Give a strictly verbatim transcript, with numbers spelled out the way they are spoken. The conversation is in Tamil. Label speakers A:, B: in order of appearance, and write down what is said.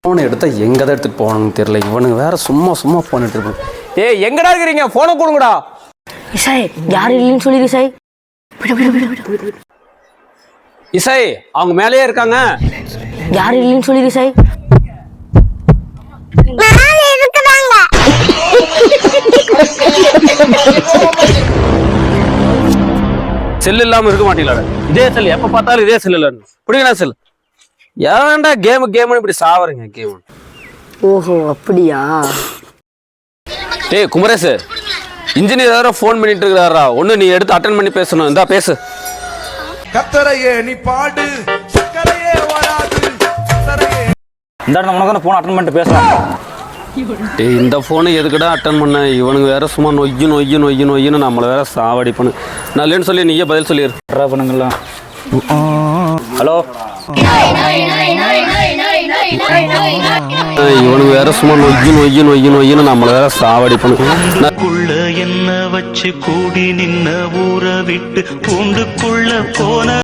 A: ஃபோனை எடுத்தா எங்கே தான் எடுத்துகிட்டு போகணும்னு தெரியல. இவனுங்க வேற சும்மா சும்மா ஃபோன் எடுத்துருப்பாங்க. ஏய் எங்கடா இருக்கிறீங்க? ஃபோனை கொடுங்கடா.
B: இசை யார் இல்லைன்னு சொல்லிடு இசை.
A: இசை அவங்க மேலேயே இருக்காங்க.
B: யார் இல்லைன்னு சொல்லிடு இசை.
A: செல் இல்லாம இருக்க மாட்டீங்களா? இதே செல் எப்ப பார்த்தாலும் இதே செல் இல்ல பிடிக்கா செல். ஏன்டா கேம் கேம்னு இப்படி சாவறீங்க கேம்?
B: ஓஹோ அப்படியா?
A: டேய் குமரேஷ், இன்ஜினியர் வேற ஃபோன் பண்ணிட்டு இருக்காரா. ஒண்ணு நீ எடுத்து அட்டெண்ட் பண்ணி பேசணும். இந்தா பேசு.
C: கத்தரையே நீ பாடு, சக்கரையே வராது.
D: இந்த இடத்துல உனக்கு ஃபோன் அட்டெண்ட் பண்ணிட்டு பேசலாம்.
A: டேய் இந்த ஃபோனை எதுக்குடா அட்டன் பண்ண? இவனுக்கு வேற சும்மா நொய்யு நொய்யு நொய்யு நொய்யுன்னு நம்மளை வேற சாவடிப்பண்ணு. நான் இல்லைன்னு சொல்லி நீயே பதில் சொல்லிடு.
D: ட்ரா பண்ணுங்களா? ஹலோ,
A: இவனுக்கு வேற சும்மா நொய்யு நொய்யு நொய்யு நொய்யுன்னு நம்மளை வேற சாவடிப்பண்ணு.
E: என்ன வச்சு கூடி நின்ன ஊரை விட்டு பூண்டுக்குள்ள போன